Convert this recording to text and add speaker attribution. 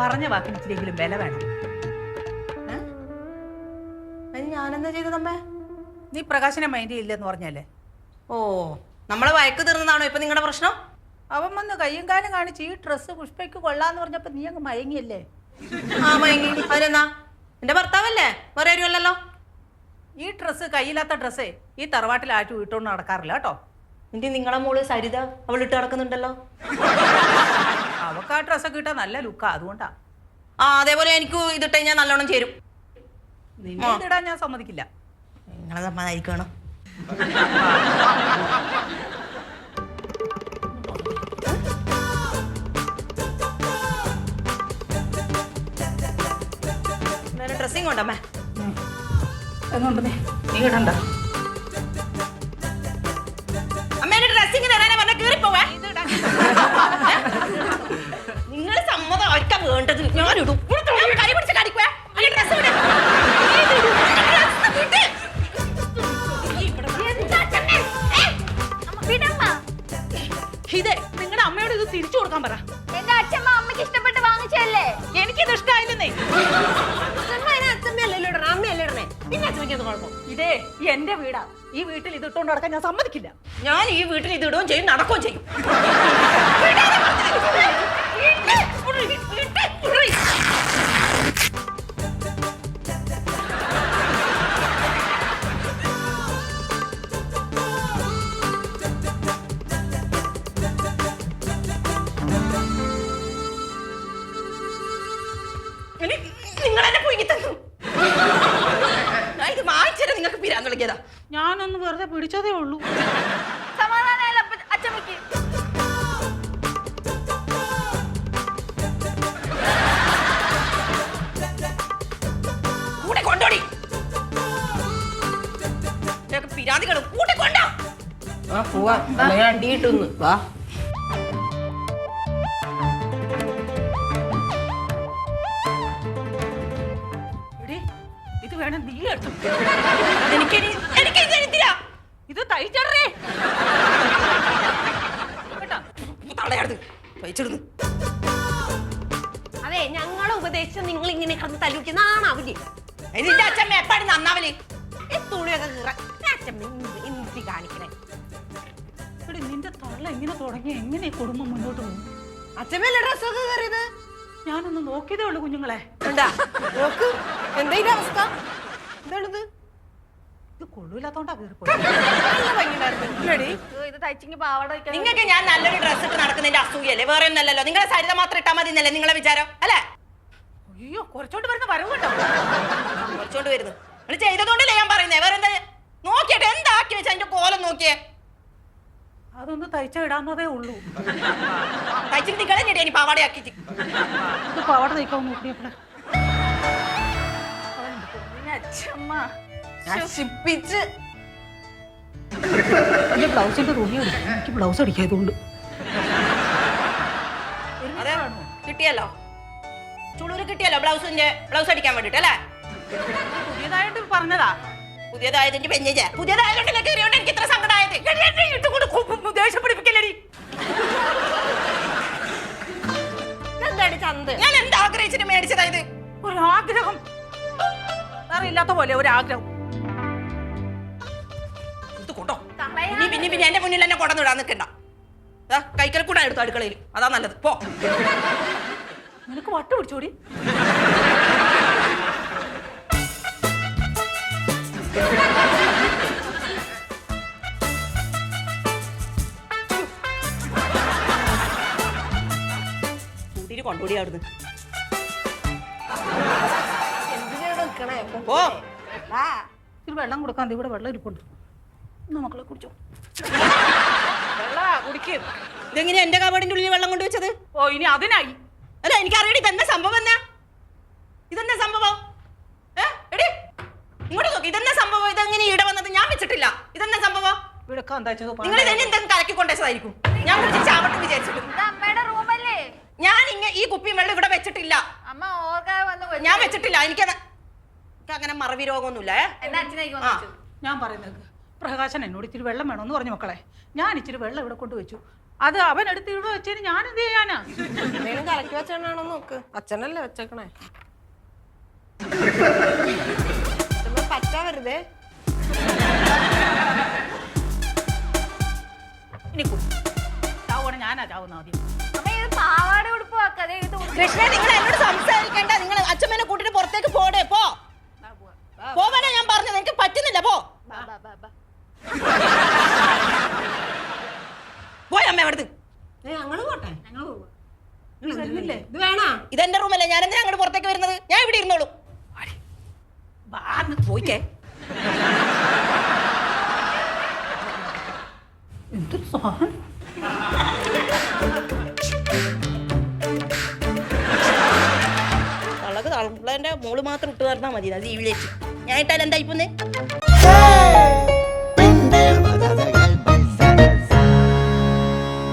Speaker 1: പറഞ്ഞ വാക്കിന് ഇച്ചിരിയെങ്കിലും വില വേണം.
Speaker 2: ഞാനെന്താ ചെയ്തതമ്മേ?
Speaker 1: നീ പ്രകാശനെ മൈൻഡ് ചെയ്യില്ലെന്ന് പറഞ്ഞല്ലേ?
Speaker 2: ഓ, നമ്മളെ വയക്ക് തീർന്നതാണോ ഇപ്പൊ നിങ്ങളുടെ പ്രശ്നം?
Speaker 1: അവൻ വന്ന് കയ്യും കാലും കാണിച്ച് ഈ ഡ്രസ്സ് പുഷ്പയ്ക്ക് കൊള്ളാന്ന് പറഞ്ഞപ്പോ നീ അങ്ങ് മയങ്ങിയല്ലേ?
Speaker 2: ആ മയങ്ങി. അതിനെന്നാ? എന്റെ ഭർത്താവല്ലേ, വേറെ ആരുമല്ലല്ലോ.
Speaker 1: ഈ ഡ്രസ്സ് കയ്യില്ലാത്ത ഡ്രസ്സേ ഈ തറവാട്ടിൽ ആറ്റും ഇട്ടോണ്ട് നടക്കാറില്ല കേട്ടോ.
Speaker 2: എന്റെ നിങ്ങളെ മോള് സരിത അവൾ ഇട്ട് നടക്കുന്നുണ്ടല്ലോ.
Speaker 1: അവക്ക് ആ ഡ്രസ്സൊക്കെ ഇട്ടാ നല്ല ലുക്കാ, അതുകൊണ്ടാ.
Speaker 2: ആ, അതേപോലെ എനിക്ക് ഇതിട്ട് ഞാൻ നല്ലോണം ചേരും.
Speaker 1: നിന്നെ ഇതിടാൻ ഞാൻ സമ്മതിക്കില്ല.
Speaker 2: നിങ്ങളെ സമ്മതായിരിക്കണം. ഡ്രസ്സിങ് കൊണ്ടമ്മേ.
Speaker 1: എങ്ങോട്ട് നീ ഇടണ്ട.
Speaker 2: അമ്മേന്റെ ഡ്രസ്സിങ് തരാനാ പറഞ്ഞ കേറിപ്പോവാ. നിങ്ങൾ സമ്മതം ഒറ്റ വേണ്ടത്. ഞാനിടും. കൈ പിടിച്ച് കടിക്കുവാ.
Speaker 1: ഇതേ നിങ്ങളുടെ അമ്മയോട് ഇത് തിരിച്ചു കൊടുക്കാൻ പറ.
Speaker 3: എന്റെ അച്ഛമ്മ അമ്മയ്ക്ക് ഇഷ്ടപ്പെട്ട് വാങ്ങിച്ചല്ലേ.
Speaker 1: എനിക്കിത് ഇഷ്ടമായില്ലെന്നേ. ഇതേ എന്റെ വീടാ. ഈ വീട്ടിൽ ഇത് ഇട്ടോണ്ട് നടക്കാൻ ഞാൻ സമ്മതിക്കില്ല.
Speaker 2: ഞാൻ ഈ വീട്ടിൽ ഇത് ഇടുകയും ചെയ്യും, നടക്കുകയും ചെയ്യും. നിങ്ങളെന്നെ പോയി തന്നു. ഇത് വായിച്ചാൽ നിങ്ങൾക്ക് പിരാൻ തുടങ്ങിയതാ.
Speaker 1: ഞാനൊന്ന് വെറുതെ പിടിച്ചതേ ഉള്ളൂ.
Speaker 3: സമാധാനമല്ല അച്ഛമ്മക്ക്.
Speaker 2: കൂടെ കൊണ്ടോടി. പിരാതികളും കൂടെ കൊണ്ടോ. അണ്ടിയിട്ടുന്ന് വാ.
Speaker 1: ഇത് വേണം നീ എടുത്തു. ഇത് തയ്ച്ചടേ
Speaker 2: അതെ, ഞങ്ങളെ ഉപദേശിച്ച് നിങ്ങൾ ഇങ്ങനെ കിടന്ന് തല്ലിനാണാവില്ലേ? നിന്റെ അച്ഛമ്മ എപ്പാടി നന്നാവല്? തുണിയൊക്കെ എന്തി കാണിക്കണേ?
Speaker 1: നിന്റെ തള്ള ഇങ്ങനെ തുടങ്ങി എങ്ങനെ കുടുംബം മുന്നോട്ട് പോകും?
Speaker 2: അച്ഛമ്മല്ലേ ഡ്രസ്സൊക്കെ കയറിയത്?
Speaker 1: ഞാനൊന്ന് നോക്കിയതേ ഉള്ളൂ കുഞ്ഞുങ്ങളെ.
Speaker 2: എന്താ അവസ്ഥ? എന്താണിത്?
Speaker 1: ഇത് കൊള്ളൂല്ലാത്തോണ്ടാ കയറിപ്പോ.
Speaker 3: ഇത് തയ്ച്ചെങ്കിൽ പാവാട.
Speaker 2: നിങ്ങൾക്ക് ഞാൻ നല്ലൊരു ഡ്രസ്സ് ഇട്ട് നടക്കുന്നതിന്റെ അസൂയല്ലേ, വേറെ ഒന്നല്ലല്ലോ. നിങ്ങളെ സരിത മാത്രം ഇട്ടാ മതി എന്നല്ലേ നിങ്ങളെ വിചാരം അല്ലേ?
Speaker 1: അയ്യോ, കുറച്ചോണ്ട് വരുന്ന വരവ് കേട്ടോ.
Speaker 2: കുറച്ചോണ്ട് വരുന്നു. നിങ്ങൾ ചെയ്തതുകൊണ്ടല്ലേ ഞാൻ പറയുന്നേ. വേറെ എന്താ നോക്കിയിട്ട് എന്താക്കി വെച്ചാ എന്റെ കോലം നോക്കിയേ.
Speaker 1: അതൊന്ന് തയ്ച്ച ഇടാന്നതേ ഉള്ളൂ.
Speaker 2: തയ്ച്ചിട്ട് നിങ്ങളെ ഞെടി ഇനി പാവാടയാക്കിട്ട്.
Speaker 1: ഇത് പാവാട തയ്ക്കാൻ നോക്കിയപ്പോഴേ
Speaker 3: അച്ഛമ്മ
Speaker 2: നശിപ്പിച്ച്.
Speaker 1: എന്റെ ബ്ലൗസിന്റെ തുണി എടുക്കും. എനിക്ക് ബ്ലൗസ് അടിക്കായതുകൊണ്ട്.
Speaker 2: അതെ, കിട്ടിയല്ലോ. ചുളൂര് കിട്ടിയല്ലോ ബ്ലൗസ് അടിക്കാൻ വേണ്ടിട്ട് അല്ലേ?
Speaker 1: പുതിയതായിട്ട് പറഞ്ഞതാ.
Speaker 2: പുതിയതായതിന്റെ പെഞ്ഞ പുതിയതായതുകൊണ്ടല്ലേ കയറിയോണ്ട് എനിക്ക് ഇത്ര സങ്കടമായത്. ദേഷ്യം പിടിപ്പിക്കല്ലേടി. ഞാൻ എന്താ ആഗ്രഹിച്ചിട്ട് മേടിച്ചതായത്?
Speaker 1: ഒരു ആഗ്രഹം. വേറെ ഇല്ലാത്ത പോലെ ഒരു ആഗ്രഹം.
Speaker 2: ഇത് കൊണ്ടോ. പിന്നെ എന്റെ മുന്നിൽ എന്നെ കൊടന്നിടാൻ നിൽക്കണ്ട. കൈക്കൽ കൂടെ എടുത്തു അടുക്കളയിൽ. അതാ നല്ലത്. പോ.
Speaker 1: നിനക്ക് വട്ട് പിടിച്ചോടി.
Speaker 2: കൂട്ടിട്ട് കൊണ്ടോടി അവിടുന്ന്.
Speaker 1: ഇത് വെള്ളം കൊടുക്കാൻ ഇവിടെ വെള്ളം ഇരിപ്പുണ്ട്. മക്കളെ കുടിച്ചോ. കുടിക്കും.
Speaker 2: ഇതെങ്ങനെ എന്റെ കബഡിന്റെ ഉള്ളിൽ വെള്ളം കൊണ്ടുവച്ചത്?
Speaker 1: ഓ, ഇനി അതിനായി.
Speaker 2: അല്ല, എനിക്കറിയടി ഇതെന്താ സംഭവം. ഇതെന്താ സംഭവം? എടി ഇങ്ങോട്ട് നോക്കി. ഇതെന്താ സംഭവം? ഇതെങ്ങനെ ഈട വന്നത്? ഞാൻ വെച്ചിട്ടില്ല. ഇതെന്താ സംഭവം? നിങ്ങൾ ഇതെന്നെ എന്തെങ്കിലും കലക്കി കൊണ്ടുവച്ചതായിരിക്കും. ഞാൻ കുറിച്ച് ചാവട്ടെ വിചാരിച്ചിട്ട്.
Speaker 3: അമ്മയുടെ റൂമല്ലേ?
Speaker 2: ഞാൻ ഈ കുപ്പിയും വെള്ളം ഇവിടെ വെച്ചിട്ടില്ല.
Speaker 3: അമ്മ ഓർക്കാതെ വന്ന്
Speaker 2: ഞാൻ വെച്ചിട്ടില്ല. എനിക്ക് അങ്ങനെ മറവി രോഗമൊന്നുമില്ല.
Speaker 1: ഞാൻ പറയുന്നത് പ്രകാശൻ എന്നോട് ഇച്ചിരി വെള്ളം വേണമെന്ന് പറഞ്ഞു മക്കളെ. ഞാൻ ഇച്ചിരി വെള്ളം ഇവിടെ കൊണ്ടുവച്ചു. അത് അവൻ എടുത്ത് ഇവിടെ വെച്ചതിന് ഞാൻ എന്ത് ചെയ്യാനാ?
Speaker 2: എന്തെങ്കിലും കലക്കി വെച്ചാണോ നോക്ക്. അച്ഛനല്ലേ വെച്ചേക്കണേ. പറ്റാ വെറുതെ
Speaker 1: ഇനി ചാവണേ ഞാനാ ചാവുന്ന ആദ്യം.
Speaker 3: അമ്മ ഇത് പാവാട ഉടുപ്പ് വെക്കാതെ ഇത്
Speaker 2: കൃഷ്ണ, നിങ്ങൾ എന്നോട് സംസാരിക്കണ്ട. നിങ്ങൾ അച്ഛമ്മേനെ കൂട്ടിട്ട് പുറത്തേക്ക് പോടേ. പോവാനാ ഞാൻ പറഞ്ഞത്. എനിക്ക് പറ്റുന്നില്ല. പോയമ്മ എവിടുന്ന്.
Speaker 1: ഞങ്ങള് പോട്ടെ, ഞങ്ങള് പോവാ. നിങ്ങൾ വരുന്നില്ലേ? ഇത് വേണോ?
Speaker 2: ഇതെന്റെ റൂമല്ലേ, ഞാൻ എന്തിനാ അങ്ങോട്ട് പുറത്തേക്ക് വരുന്നത്? ഞാൻ ഇവിടെ ഇരുന്നോളൂ. പോയിക്കേ.
Speaker 1: എന്തൊരു സാധനം.
Speaker 2: തള്ളക്ക് തള്ളന്റെ മോള് മാത്രം ഇട്ട് തരണാ മതി. അത് ജീവിലേക്ക് ഞാൻ ഇട്ടാൽ എന്താ ഇപ്പൊന്ന്